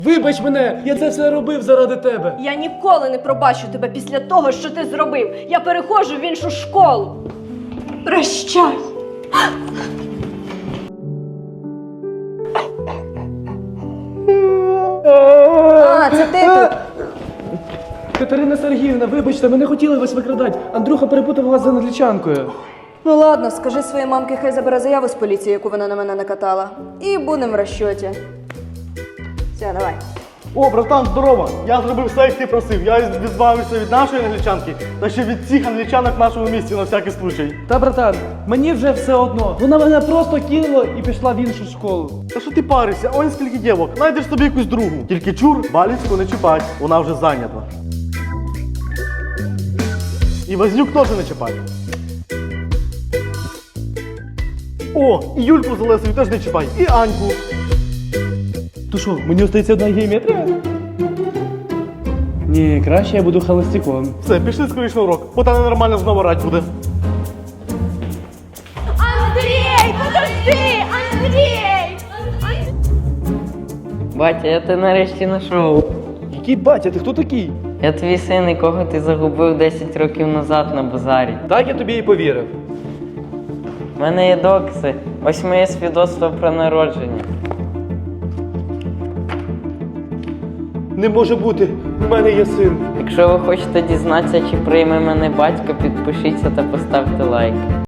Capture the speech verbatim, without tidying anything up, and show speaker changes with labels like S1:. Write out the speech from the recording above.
S1: Вибач мене, я це все робив заради тебе.
S2: Я ніколи не пробачу тебе після того, що ти зробив. Я переходжу в іншу школу. Прощай. А, це ти тут.
S1: Катерина Сергіївна, вибачте, ми не хотіли вас викрадати. Андрюха перепутав вас з англічанкою.
S2: Ну ладно, скажи своїй мамці, хай забере заяву з поліції, яку вона на мене накатала. І будемо в розчоті. Все, давай.
S3: О, братан, здорово! Я зробив все, як ти просив. Я відбавився від нашої англічанки, та ще від всіх англічанок в нашому місті на всякий случай.
S1: Та, братан, мені вже все одно. Вона мене просто кинула і пішла в іншу школу.
S3: Та що ти паришся? Ой, скільки дівок. Найдеш собі якусь другу. Тільки чур, Балівську не чіпать, вона вже зайнята. І Вознюк теж не чіпать. О, і Юльку з Олесою теж не чіпай, і Аньку.
S1: То що, мені остається одна геометрія? Ні, краще я буду холостяком.
S3: Все, пішли скоріше на урок, бо там ненормально знову рать буде.
S2: Андрій, подожди! Андрій!
S4: Батя, я тебе нарешті знайшов.
S1: Який батя, ти хто такий?
S4: Я твій син, якого ти загубив десять років назад на базарі.
S1: Так я тобі і повірив.
S4: У мене є докази. Ось моє свідоцтво про народження.
S1: Не може бути, у мене є син.
S4: Якщо ви хочете дізнатися, чи прийме мене батько, підпишіться та поставте лайк.